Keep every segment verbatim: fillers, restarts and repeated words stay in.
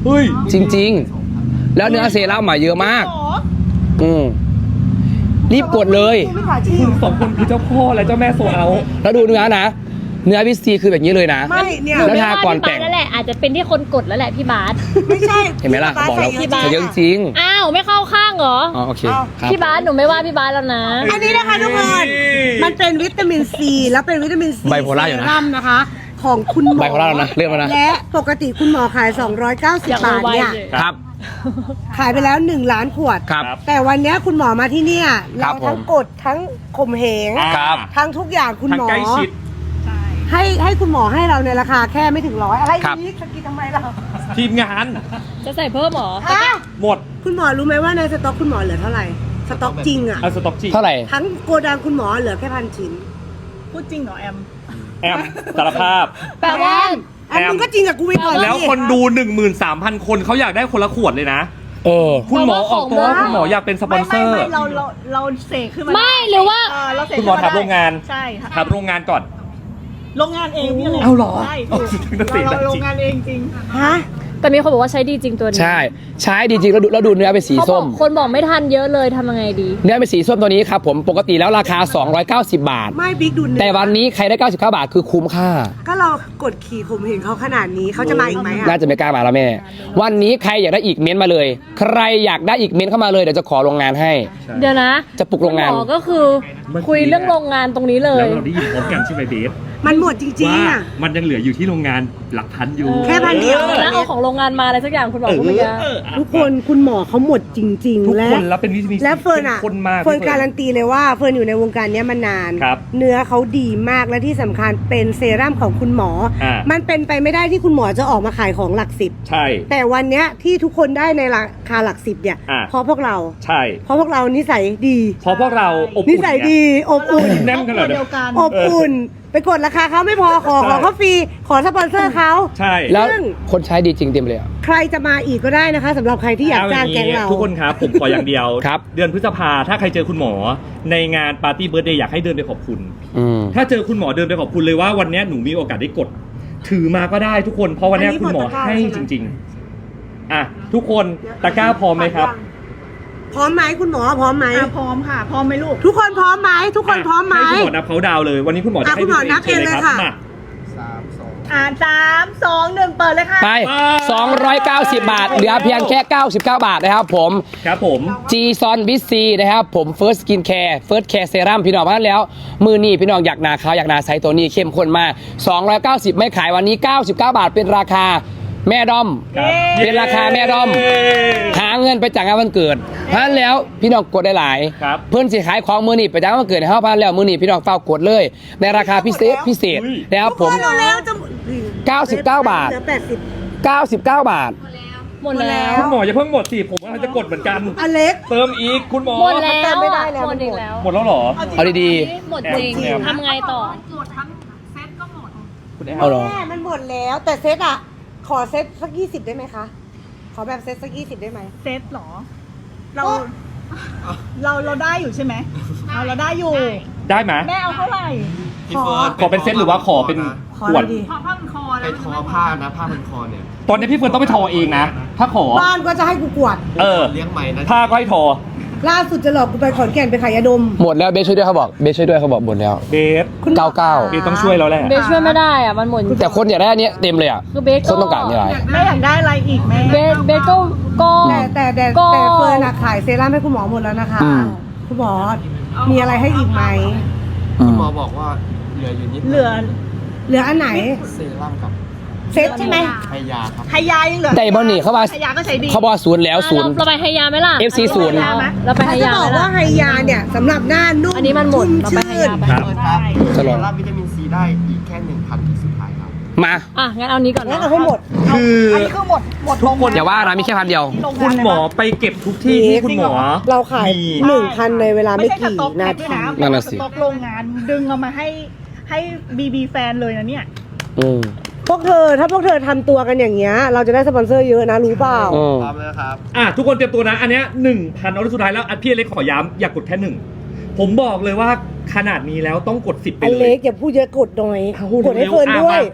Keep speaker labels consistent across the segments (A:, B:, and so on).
A: เฮ้ย
B: จริงๆแล้วเนื้อเซรั่มมาเยอะมากอืมรีบกดเลย
A: คุณสองคนคือเจ้าพ่อและเจ้าแม่โซเอา
B: แล้วดูเนื้อนะเนื้อพิซซีคือแบบนี้เลยนะ
C: ไม่เนี่ย
B: แล้วทาก่อนแต่ง
D: นั่นแหละอาจจะเป็นที่คนกดแล้วแหละพี่บาส
C: ไม่ใช่
B: เห็นไหมล่ะบอกแล้วใส่เยอะจริง
D: อ้าวไม่เข้าข้างเหรอ
B: อ๋อโอเค
D: พี่บาสหนูไม่ว่าพี่บาสแล้วนะ
C: อันนี้นะคะทุกคนมันเป็นวิตามินซีแล้วเป็นวิตามินซี
B: ไบโพล่าอยู่นะ
C: นะคะของคุณหมอ
B: ไบโพล่าแล้วนะเรียกมานะ
C: และปกติคุณหมอขายสองร้อยเก้าสิบบาทเนี่ย
B: ครับ
C: ขายไปแล้วหนึ่งล้านขวด
B: ครับ
C: แต่วันนี้คุณหมอมาที่เนี่ยเราทั้งกดทั้งข่มเหงทั้งทุกอย่างคุณหมอให้ให้คุณหมอให้เราในราคาแค่ไม่ถึงร้อยอะไรนี้สกินทำไมเรา
A: ทีมงาน
D: จะใส่เพิ่มหรอ
A: หมด
C: คุณหมอรู้ไหมว่าในสต็อกคุณหมอเหลือเท่าไหร่สต็อกจริงอะ
A: สต็อกจริง
B: เท่าไหร่
C: ทั้งโกดังคุณหมอเหลือแค่พันชิ้น
E: พูดจริงเหรอแอม
A: แอมสารภาพ
D: แปลว่า
C: แอมมึงก็จริงกับกูไปก่อน
A: แล้วคนดู หนึ่งหมื่นสามพัน คนเขาอยากได้คนละขวดเลยนะ
B: เออ
A: คุณหมอออกตัวคุณหมออยากเป็นสปอนเซอร์
E: ไม่เราเราเราเสกขึ้นมา
D: ไม่หรือว่า
A: คุณหมอทำโรงงาน
E: ใช่
A: ทำโรงงานก่อน
E: โรงงานเองพี่เลย
A: เอาหรอ
E: ใช่เราโรงงานเองจริง
C: ฮะ
D: แต่มีคนบอกว่าใช้ดีจริงตัวนี้
B: ใช่ใช้ดีจริงแล้วดูแล้วดูเนื้อเป็นสีส้ม
D: คนบอกไม่ทันเยอะเลยทำยังไงดี
B: เนื้อเป็นสีส้มตัวนี้ครับผมปกติแล้วราคาสองร้อยเก้าสิบบาท
C: ไม่บิ๊กดู
B: แต่วันนี้ใครได้เก้าสิบเก้าบาทคือคุ้มค่า
C: ก็เรากดขี่ข่มเหงเขาขนาดนี้เขาจะมาอีกไหมอ่ะ
B: น่าจะไม่กล้ามาแล้วแม่วันนี้ใครอยากได้อีกเม้นมาเลยใครอยากได้อีกเม้นเข้ามาเลยเดี๋ยวจะขอโรงงานให้
D: เดี๋ยวนะ
B: จะปลุกโรงงาน
D: หมอก็คือคุยเรื่องโรงงานตรงนี้เลย
A: แล้วเราได้ยินพร้อมกันใช่ไหมเบส
C: มันหมดจริงๆอ่ะ
A: มันยังเหลืออยู่ที่โรงงานหลักพันอยู่
C: แค่พันเดียว
D: แล้วเอาของโรงงานมาอะไรสักอย่างคุณหมอพูดเมื่อกี้
C: ทุกคนคุณหมอเขาหมดจริงๆ
A: ทุกคนแล้วเป็นวิธี
C: และเฟิร์นอ่ะเฟิร์นการันตีเลยว่าเฟิร์นอยู่ในวงการนี้มานานเนื้อเขาดีมากและที่สำคัญเป็นเซรั่มของคุณหมอมันเป็นไปไม่ได้ที่คุณหมอจะออกมาขายของหลักสิบ
A: ใช่
C: แต่วันเนี้ยที่ทุกคนได้ในราคาหลักสิบเนี่ยเพราะพวกเรา
A: ใช่
C: เพราะพวกเรานิสัยดี
A: เพราะพวกเราอบ
C: อุ่นนิสัยดีอบอุ่น
A: แน่นขนาดเดียว
C: กันอบอุ่นไปกดราคาเขาไม่พอขอขอเขาฟรีขอสปอนเซอร์เขา
A: ใช่
B: แล้วคนใช้ดีจริงเต็มเลย
C: ใครจะมาอีกก็ได้นะคะสำหรับใครที่อยากจ้างแก๊งเรา
A: ทุกคนครับผมขออย่างเดียวครับเดือนพฤษภาถ้าใครเจอคุณหมอในงานปาร์ตี้เบิร์ธเดย์อยากให้เดินไปขอบคุณถ้าเจอคุณหมอเดินไปขอบคุณเลยว่าวันนี้หนูมีโอกาสได้กดถือมาก็ได้ทุกคนเพราะวันนี้คุณหมอให้จริงๆอ่ะทุกคนตะกร้าพร้อมไหมครับ
C: พร้อมไหมคุณหมอพร้อมไหม
E: พร้อมค่ะพร้อมไหมลูก
C: ทุกคนพร้อมไหมทุกคนพร้อมไหม
A: ให้คุณหมอนับเขาดาวเลยวันนี้คุณหมอจะให้
C: คุณหมอนับเองเลยค่ะ
E: อ่าสามสองหนึ่งเปิดเลยค่ะ
B: ไปสองร้อยเก้าสิบบาทเหลือเพียงแค่เก้าสิบเก้าบาทนะครับผม
A: ครับผม
B: จีซอนวิซีนะครับผม First Skin Care First Care Serum พี่น้องมาแล้วมือนี่พี่น้องอยากนาขาวอยากนาใสตัวนี้เข้มข้นมากสองร้อยเก้าสิบไม่ขายวันนี้เก้าสิบเก้าบาทเป็นราคาแม่ดอมเป็นราคาแม่ดอมหาเงินไปจากงานวันเกิดเพราะฉะนั้นแล้วพี่น้องกดได้หลายเพื่อนสิขายของมือนี่ไปจากงานวันเกิดให้เขาพันแล้วมือนี่พี่น้องเฝ้ากดเลยในราคาพิเศษพิเศษแล้วผมเก้าสิบเก้าบาทเก้าสิบเก้าบาท
D: หมดแล้ว
A: คุณหมออย่าเพิ่งหมดสิผมกำลังจะกดเหมือนกัน
C: อเล็ก
A: เติมอีกคุณหมอ
D: หมดแล้วไม่ได้แล้วหมดอีกแล้ว
A: หมดแล้วเหรอ
B: เอาดี
D: ๆหมดจริงทำไงต่อหมดทั้งเซตก็หมด
C: คุณแม่มันหมดแล้วแต่เซตอ่ะขอเซตสักยี่สิบได้ไหมคะขอแบบเซตสักยี่สิบได้ไหม
E: เซตหรอเราเราเราได้อยู่ใช่ไหมเราเราได้อยู่
A: ได้ไหม
E: แม่เอาเท่าไหร่
A: ขอขอเป็นเซตหรือว่าขอเป็นขวด
E: ขอผ้าพันคอ
F: ไปทอผ้านะผ้าพันคอเนี่ย
A: ตอนนี้พี่เฟิร์นต้องไปทอเองนะถ้าขอ
C: บ้านก็จะให้กูกวด
A: เออ
F: เลี้ยงใหม่นะ
A: ผ้าก็ให้ทอ
C: ล่าสุดจะหลอกกูไปขอนแก่นไปขายยาดม
B: หมดแล้วเบสช่วยด้วยเขาบอกเบสช่วยด้วยเขาบอกหมดแล้ว
A: เบส
B: เก้าเก้า
A: เบสต้องช่วยเราแหละ
D: เบสช่วยไม่ได้อ่ะมันหมด
B: แต่คนอยากได้อันนี้เต็มเลยอ่ะ
D: คือเบส
B: คนต้องการนี่ไร
E: แม่อยากได้อะไรอีกแม่
D: เบสเบสก็ก็
C: แต่แต่แต่แต่เฟิร์นขายเซรั่มให้คุณหมอหมดแล้วนะคะคุณหมอมีอะไรให้อีกไหม
F: คุณหมอบอกว่าเหลืออยู่นิด
E: เหลือ
C: เหลืออันไหน
F: เซรั่มกับ
C: เซตใช่ไหม
F: ไฮยาครับ
E: ไฮยายังเหลือ
B: แต่บอลนี่เขาว่า
E: ไฮยาก็ใช้ดี
B: เขาบอกศูนย์แล้วศูนย์
D: เราไปไฮยาไหมล่ะ
B: เอฟ ซี ศูนย์
D: เราไปไฮยา
C: เขาบอกว่าไฮยาเนี่ยสำหรับหน้านุ่ม
D: อันนี้มันหมดเราไปไฮยาไป
F: ครับเซรั่มวิตามินซีได้อีกแค่หนึ่งพันที่สุดท้ายครับ
B: มา
D: อ่ะงั้นเอานี้ก่อน
C: งั้นเอาให้หมด
A: คือ
E: อันนี้คือหมดหมด
A: ทุกคน
B: อย่าว่านะมีแค่พันเดียว
A: คุณหมอไปเก็บทุกที่ที่คุณหมอ
C: เราขายหนึ่งพันในเวลาไม่กี่นาที
E: นั่นน่ะสิสต็อกโรงงานดึงเอามาให้ให้บีบีแฟนเลยนะเนี่ย
B: อืม
C: พวกเธอถ้าพวกเธอทำตัวกันอย่างเงี้ยเราจะได้สปอนเซอร์เยอะนะรู้เปล่า
F: พร้อมแล้วครับ
A: อ่ะทุกคนเตรียมตัวนะอันเนี้ยหนึ่งพันเอาสุดท้ายแล้วพี่อเล็กขอย้ำอย่ากดแค่หนึ่งผมบอกเลยว่าขนาดนี้แล้วต้องกดสิบไปเลย
C: อเล็กอย่าพูดเยอะกดหน่อยกดให้เฟิร์นด้วย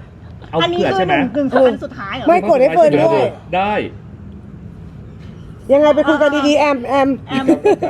A: เอา
E: อันนี้
A: เผื่อ
E: คือ
A: ใช่ไห
E: ห
A: ม
E: นึ่งกึ่งสำคัญสุดท้ายเหรอ
C: ไม่กดให้เฟิร์นด้วย
A: ได้
C: ยังไงไปคุยกันดีๆแอมแอม
E: แอม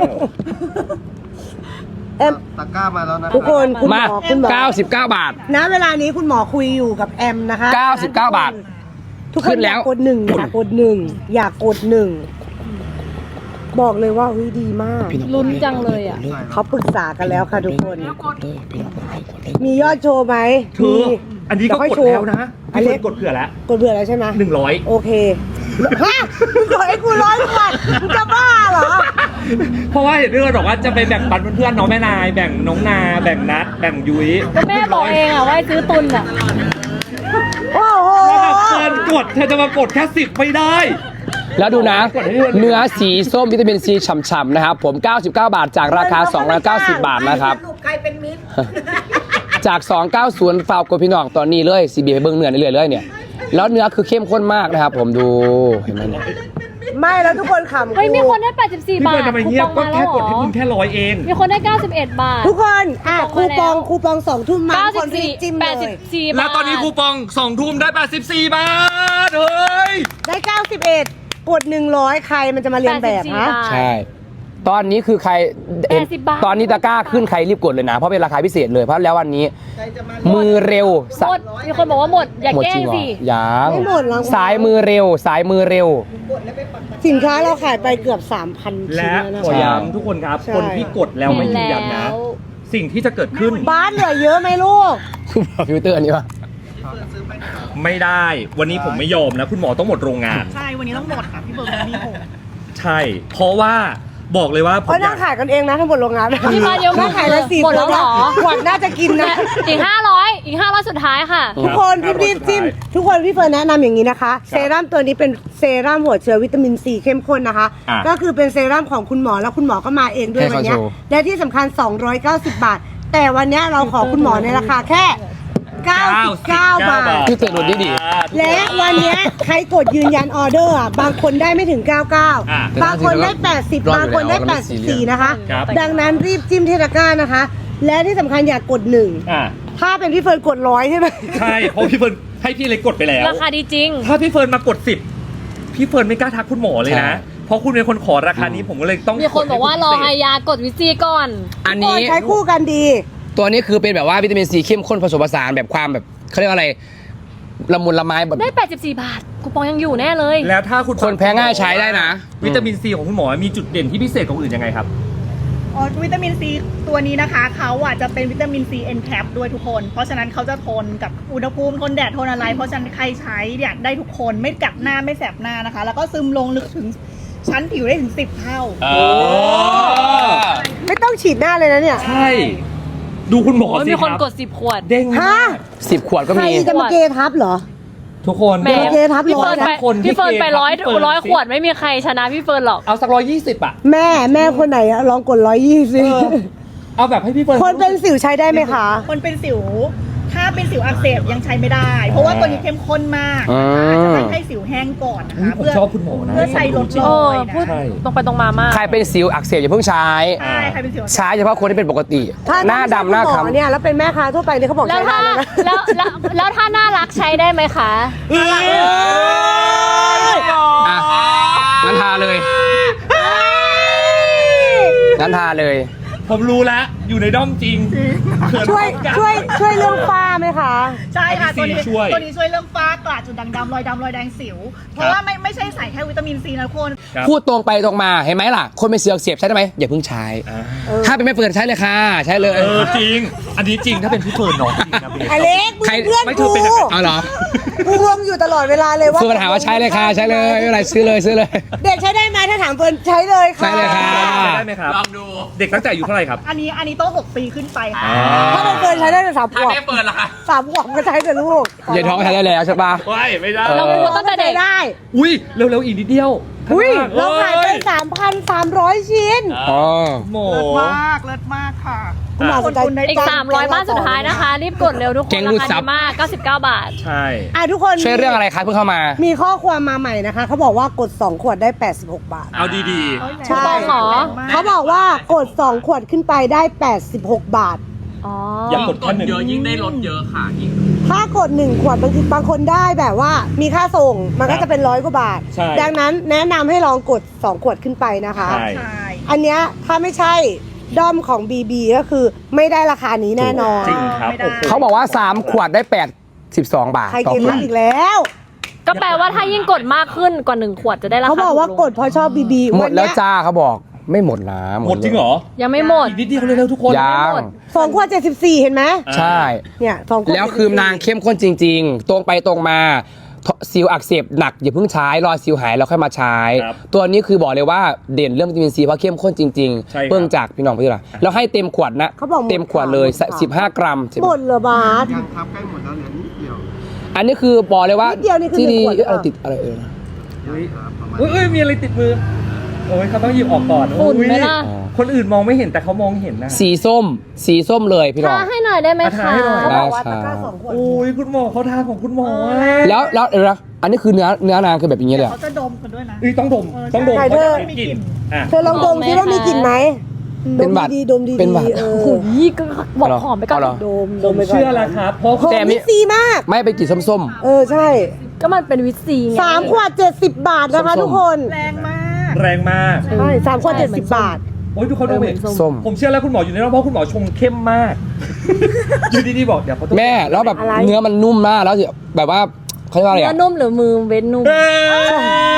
C: แอม
F: ตะกร้ามาแล้วนะ
C: ทุกคนคุณหม
B: มา
C: อคุณหมอ
B: เก้าสิบเก้าบาท
C: ณเวลานี้คุณหมอคุยอยู่กับแอมนะคะ
B: เก้าสิบเก้าบาท
C: ทุกค
B: ขึ้
C: น
B: น
C: อ
B: แล้
C: ยาว กกดหนึ่งอยากกดหนึ่งอยากกดหนึ่งบอกเลยว่าเฮ้ยดีมาก
D: ลุ้นจังเลยอ่ะ
C: เขาปรึกษากันแล้วค่ะทุกคน
B: กดเลยพี่น้องกดเลยกดเลย
C: มียอดโชว์ไหม
A: เธอ
C: มี
A: อันนี้ก็
C: เดี๋ยค่อย
A: กด
C: โชว์
A: แล้วนะ
C: อัน
A: พี่
C: นี้
A: เฟิร์นกดเผื่อแล้ว
C: กดเบื่อแล้วใช่ไหม
A: หนึ่งร้อย
C: โอเคฮะมึงกดให้กูร้อยขวดมึงจะบ้าเหรอ
A: เพราะว่าเห็นพี่เฟิร์นบอกว่าจะไปแบ่งปันเพื่อนๆน้องแม่นายแบ่งน้องนาแบ่งนัดแบ่งยุ้ย
D: ก็แม่บอกเองอ่ะว่าให้ซื้อตุนอ่ะ
C: โอ้โห
A: แล้วแบบเฟิร์นกดเธอจะมากดแค่สิบไม่ได้
B: แล้วดูนะ เนื้อสีส้มวิตามินซีฉ่ำๆนะครับ ผม เก้าสิบเก้าบาทจากราคา สองร้อยเก้าสิบ บาทนะครับ
C: ใครเป็นมิตร
B: จาก สองร้อยเก้าสิบ ฝากกดพี่น้องตอนนี้เลยซีบีไปเบิ้งเนื้อเรื่อยๆเลยเนี่ย แล้วเนื้อคือเข้มข้นมากนะครับ ผมดูเห็นไหมเนี่ย
C: ไม่แล้วทุกคนขำ
D: เฮ้ย
C: กู
D: มีคนได้แปดสิบสี่
A: พี่
D: บา
A: เฟิ
D: ท
A: ร์นทำไม
D: คู
A: เงีย
D: ป
A: บ
D: อง
A: ก็
D: มาแล้
A: แค่
D: วเหร
A: กดให้
D: อ
A: คุณแค่ร้อยเอง
D: มีคนได้เก้าสิบเอ็ดบาท
C: ทุกคนอ่ะ
D: คู
C: คู
D: ป
C: ป
D: อ
C: อง ง
D: มาแล้ว
C: คูปองสองทุ่มมา
D: เก้า
C: ทุก
D: สิ
C: ค
D: บ
C: นรี
D: สี่
C: บจิ้ม
D: แป
C: เล
D: ดสิบ
C: ย
D: สี่บาท
A: แล้วตอนนี้คูปองสองทุ่มได้แปดสิบสี่บาทเฮ้ย
C: ได้เก้าสิบเอ็ดกดหนึ่งร้อยใครมันจะมาเรียนแบบฮะ
D: แปดสิบสี่บาท
B: ใช่ ตอนนี้คือใครเห็น
D: แปดสิบบาท
B: ตอนนี้ตะกร้าขึ้นใครรีบกดเลยนะ เพราะเป็นราคาพิเศษเลย เพราะแล้ววันนี้ มือเร็วสะ
D: หมด มีคนบอกว่าหมด อย่า
B: หมด
D: แกล้
B: จริ
D: ง
B: งเหรอ
D: สิ
B: ยัง
C: ไม่หมดหรอก
B: สายมือเร็ว สายมือเร็ว
C: สินค้าเราขายไปเกือบ สามพัน ชิ้น
A: และ
C: แล้วนะ
A: ขอ
C: คะ
A: ย้ำทุกคนครับ
C: ใช่
A: คนที่กดแล้วไม่ยืนยันนะ
D: แล้ว
A: สิ่งที่จะเกิดขึ้น
C: บ้านเหลือเยอะไหมลูก
B: คุณบอกฟิลเตอร์อันนี้ป่ะ
A: ไม่ได้ วันนี้ผมไม่ยอมนะ คุณหมอต้องหมดโรงงาน
E: ใช่ วันนี้ต้องหมดค่ะพี่เบิร์ดมีหก
A: ใช่ เพราะว่าบอกเลยว่าผม
C: เพราะ
A: อ
C: นั่
A: ยาง ก
C: ขายกันเองนะทั้งหมดโรงงาน
D: พี่มาเดี๋ยว
C: นั่งขายกันสี่
D: หมดแล้วเหรอ
C: ขวดน่าจะกินนะ
D: อีกห้าร้อยอีกห้าร้อยสุดท้ายค่ะ
C: ทุกคนรีบรีบจิ้มทุกคนพี่เฟิร์นแนะนำอย่างนี้นะคะ เซรั่มตัวนี้เป็นเซรั่มหัวเชื้อวิตามินซีเข้มข้นนะคะ
A: อ่ะ
C: ก็คือเป็นเซรั่มของคุณหมอแล้วคุณหมอก็มาเองด้วย
B: ให้
C: วัน
B: เขา
C: เนี้ย
B: โชว์
C: และที่สำคัญ สองร้อยเก้าสิบ บาท แต่วันเนี้ยเราขอคุณหมอในราคาแค่ เก้าสิบเก้า บาท
B: พี่เตือนดูดีดี
A: อ่าทุกคน
C: และวันเนี้ยใครกดยืนยันออเดอร์อ่ะบางคนได้ไม่ถึง เก้าสิบเก้า
A: อ่ะ
C: บางคนได้ แปดสิบ บางคนได้ แปดสิบสี่ นะคะ
A: ครับ
C: ดังนั้นรีบจิ้มเทตะกร้านะคะ และที่สำคัญอยากกดหนึ่ง
A: อ่ะ
C: ถ้าเป็นพี่เฟิร์นกดร้อยใช่ไหม
A: ใช่เพราะพี่เฟิร์นให้พี่เล็กกดไปแล้ว
D: ราคาดีจริง
A: ถ้าพี่เฟิร์นมากดสิบพี่เฟิร์นไม่กล้าทักคุณหมอเลยนะ
B: ใช่
A: เพราะคุณเป็นคนขอราคานี้ผมก็เลยต้อง
D: มีคนบอกว่ารอ
A: ให้
D: ไฮ
A: พิเศษ
D: ยากดวิซีก่อน
B: อันนี้
C: ใช้คู่กันดี
B: ตัวนี้คือเป็นแบบว่าวิตามินซีเข้มข้นผสมผสานแบบความแบบเขาเรียกว่าอะไรละมุนละไม้แบบ
D: ได้ แปดสิบสี่ บาท คูปองยังอยู่แน่เลย
A: แล้วถ้าคุณ
B: คนแพ้ง่ายใช้ได้นะ
A: วิตามินซีของคุณหมอมีจุดเด่นที่พิเศษกว่าคนอื่นยังไงครับ
E: อ๋อวิตามินซีตัวนี้นะคะเขาอ่ะจะเป็นวิตามินซีเอ็นแคปด้วยทุกคน เพราะฉะนั้นเขาจะทนกับอุณหภูมิทนแดดทนอะไร เพราะฉะนั้นใครใช้เนี่ยได้ทุกคนไม่กัดหน้าไม่แสบหน้านะคะ แล้วก็ซึมลงลึกถึงชั้นผิวได้ถึงสิบเท่า
C: ไม่ต้องฉีดหน้าเลยนะเนี่ย
A: ใช่ ดูคุณหมอ
D: โอ้ย
A: สิ
D: มี
A: ค
D: คน
A: รับ
D: กดสิบขวด
A: เด้ง
C: ฮะ
A: มาก
B: สิบขวดก็
C: ใคร
B: มี
C: จะมาเกทับเหรอ
A: ทุกคน
D: แหม
C: โอเคครับ
D: พี่เฟิร์น
C: ร้อย
D: ไป
C: นะ
A: คนที่
D: พี่เฟิร์นไป
A: เกทับ
D: ร้อย
A: พี่เฟิร์น
D: ร้อย
A: สิ
D: ขวดไม่มีใครชนะพี่เฟิร์นหรอก
A: เอาสักร้อยยี่สิบอ่ะ
C: แม่แม่คนไหนอะลองกดร้อยยี่สิ
A: เออ เอาแบบให้พี่เฟิร์น
C: คนเป็นสิวใช้ได้ไหมคะ
E: คนเป็นสิว ถ้าเป็นสิวอักเสบยังใช้ไม่ได้ เพราะว่าตัวนี้เข้มข้นมาก
B: อืม
E: จะต้องให้สิวแห้งก่อนนะ
A: อุ๊ย
E: คะ
A: ผม
E: เพื่อ
A: ชอบคุณหมอนะ
E: เพื่อใช้ลดร
D: เอ
E: อ
D: อย
E: นะ
D: พูด
A: ใช่
D: ตรงไปตรงมามาก
B: ใครเป็นสิวอักเสบอย่าเพิ่งใช้
E: ใช่ใครเป็นสิว
B: ใช้เฉพาะคนที่เป็นปกติ
C: ถ้า
B: หน้าดำหน้า
C: ถ้ไม่ใช่คุณมอ
B: คล้ำ
C: เนี่ยแล้วเป็นแม่ค้าทั่วไปเนี่ยเขาบอก
D: แล้ว
C: ใช้ได้
D: ถ้า
C: แล้วนะ
D: แล้วแล้วแล้วถ้าน่ารักใช้ได้ไหมคะ
B: อ่ะงั้นทาเลยงั้นทาเลย
A: ผมรู้แล้ว อยู่ในด้อมจริงเขิน
C: ช่วย
A: พร้อมกัน
C: ช่วยช่วยเรื่องฝ้าไหมคะ
E: ใช่ค่ะ ตัวนี้
A: ช่วย
E: ตัวนี้ช่วยเรื่องฝ้ากระจุดด่างดำรอยดำรอยแดงสิว เพราะว่าไม่ไม่ใช่ใส่แค่วิตามินซีนะทุกคน
A: ครับ
B: พูดตรงไปตรงมาเห็นไหมล่ะ คนเป็นสิวอักเสบใช้ได้ไหมอย่าเพิ่งใช้
A: อ่า
B: ถ้าเป็นไม่เปิดใช้เลยค่ะ ใช้เลย
A: เออจริง อันนี้จริงถ้าเป็นพี่เฟิร์นน้องจริงนะเบส
C: อเล็กมึง
B: ใคร
C: เพื่อน
A: ไม่เธ
C: กู
A: อเป็นอะไร
B: เอาเหรอ
C: กูงงอยู่ตลอดเวลาเลยว่า
B: เฟิร์นถามว่าใช้เลยค่ะ ใช้เลยไม่เป็นไรซื้อเลยซื้อเลย
C: เด็กใช้ได้ไหมถ้าถามเฟิร์นใช้เลยค่ะ
B: ใช้เลยค่ะ
A: ได้ไหมครับลองดูเด็กตั้งแต่อายุเท่าไหร่ครับ
E: อันนี้อันนี้ต้องหกปีขึ้นไปค่ะ
C: ถ้าเป็นเฟิร์นใช้ได้แต่สามขวบสามขวบก็ใช้แต่ลูก
B: อย่าท้องใช้ได้แล้วใช่ปะ
A: ไม่ไม่ได้
D: เราพูดตั้งแต่เด็ก
C: ได้
A: อุ้ยเร็วๆอีกนิดเดียว
C: อุ้ย
A: ข้ง
C: เรา
A: ล่
C: ขายไป
A: อ้
C: สามพันสามร้อยชิ้น
B: อ๋อ
A: โห
E: เลิศมาก เลิศมากค่ะ
C: คุณหมอสนใจ
E: คุณได้
D: อีก สามร้อยบ้านสุดท้ายนะคะ รีบกดเร็วทุกคน
B: เก่งรู
D: รา
B: ดซั
D: คา
B: บ
D: ดีมาก เก้าสิบเก้า บาท
A: ใช่
C: อ่ะทุกคน
B: ช่วยเรื่องอะไรคะเพิ่งเข้ามา
C: มีข้อความมาใหม่นะคะ เขาบอกว่ากดสองขวดได้แปดสิบหกบาท
A: เอาดี
C: ใช่
D: หรอ
C: เขาบอกว่ากดสองขวดขึ้นไปได้แปดสิบหกบาท
D: อ๋อ
A: อย่ากดแค่หนึ่ง
G: เยอะยิ่งได้ลดเยอะค่ะยิ่ง
C: ถ้ากดหนึ่งขวดบางทีบางคนได้แบบว่ามีค่าส่งมันก็จะเป็นร้อยกว่าบาท
A: ใช่
C: ดังนั้นแนะนำให้ลองกดสองขวดขึ้นไปนะคะ
A: ใช่
E: ใช่
C: อันเนี้ยถ้าไม่ใช่ด้อมของ บี บี ก็คือไม่ได้ราคานี้แน่นอน
A: จริงครับ
E: ไม่ได้
A: โอ้โห
B: เขาบอกว่าสามขวดได้แปดสิบสองบาท
C: ใคร
B: ต่อ
C: กิน
B: ขว
C: รั
B: ด
C: กอีกแล้ว
D: ก็แปลว่าถ้ายิ่งกดมากขึ้นกว่าหนึ่งขวดจะได้ราคา
C: เขาบอกว่า
D: ถูลง
C: กดเพราะชอบ บี บี
B: หมดแล้วจ้าเขาบอกไม่หมดนะ
A: หมดจริงเหรอ
D: ยังไม่หมด
A: อีกนิดเดียวเร็วๆทุกคน
B: ยัง
C: สองขวดเจ็ดสิบสี่เห็นไหม
B: ใช่
C: เนี่ยสองขวด
B: แล้วคือนางเข้มข้นจริง ๆ ตรงไปตรงมาซิลอักเสบหนักอย่าเพิ่งใช้รอซิลหายแล้วค่อยมาใช้
A: ครับ
B: ตัวนี้คือบอกเลยว่าเด่นเรื่องวิตามินซีเพราะเข้มข้นจริง
A: ใช่ครับ
B: ๆเพิ่งจากพี่น้องพี่น้องแล้วให้เต็มขวดนะ
C: เขาบอกหด
B: เต็มขวดเลย
C: ค่ะ
B: สิบห้ากรัม
C: หมดเหรอบาส
F: ยังครับใกล้หมดแล้วเหลือนิดเดียว
B: อันนี้คือบอกเลยว่า
C: นิดเดียวนี่คือ
B: ที่ดี
C: หนึ่งขวดหรือเป
B: อะไร
C: ล่า
B: ติดอะไรเอ่ย
F: ครับประมาณ
A: เอ้ยเอ้ยมีอะไรติดมือ โอ้ยเขาต้องหยิบออกก่อน
D: ฝุ่นไหม
A: โอ้ย
D: ล่ะ
A: คนอื่นมองไม่เห็นแต่เขามองเห็นนะ
B: สีส้ม สีส้มเลยพี่น้อง
D: ทาให้หน่อยได้ไหม
A: อ่ะทา
D: คะ
A: ให้หน่อย
C: เขาบอกว่า
B: ได้
C: ตะ
B: ค่ะ
C: กร้าสองขวด
A: โอ้ยคุณหมอเขาทาของคุณหมออะ
B: แล้วแล้วเดี๋ยวนะอันนี้คือเนื้อเนื้อนางคือแบบอย่างเงี้ยเลยเหรอ
E: เขาจะดมกันด้วยนะ
A: เอ้ยต้องดม
E: เออ
A: ต้องดม
C: ใช่
A: เขาจะ
C: เธอ
A: มีกลิ่นอ่ะ
C: เธอลองดมซิว่ามีกลิ่นไหม
B: เป็นหวัด
C: ดมดีๆดมดีๆ
B: เป็นหวัด
C: เอ
D: โอ้โห
C: อ
D: ก็บอกหอมไปก่อน
B: เอาเหรอ
C: ดม
A: ผม
C: ไปก่น
A: เชื่อแล้วครับเพราะ
C: หอม
B: แต่มี
C: วิตซีมาก
B: ไม่ไปกลิ่นส้ม
C: เออใช่
D: ก็มันเป็นวิตซีไง
C: สามขวดเจ็ดสิบบาทนะคะ
B: ส้มๆ
C: ทุกคน
E: แรงมาก
A: แรงมาก
C: ใช่สามขวด
D: ใช่
C: เจ็ด
D: เหมื
C: สิ
D: อน
C: บบาท
A: โอ้ยทุกคน
D: เอ
A: ดู
D: อเหมื
A: เห็
D: อน นส้ม
B: ๆส้ม
A: ผมเชื่อแล้วคุณหมออยู่ในนั้นเพราะคุณหมอชงเข้มมาก อยู่ดีๆบอกเดี๋ยวเขาต้อง
B: แม่แล้วแบบ
C: อะไร
B: เนื้อมันนุ่มมากแล้วแบบว่าเขาเรียกว่าอะไร
D: เนื้อ
B: อะ
D: นุ่มหรือมือเว้นนุ่ม
A: เอ้ย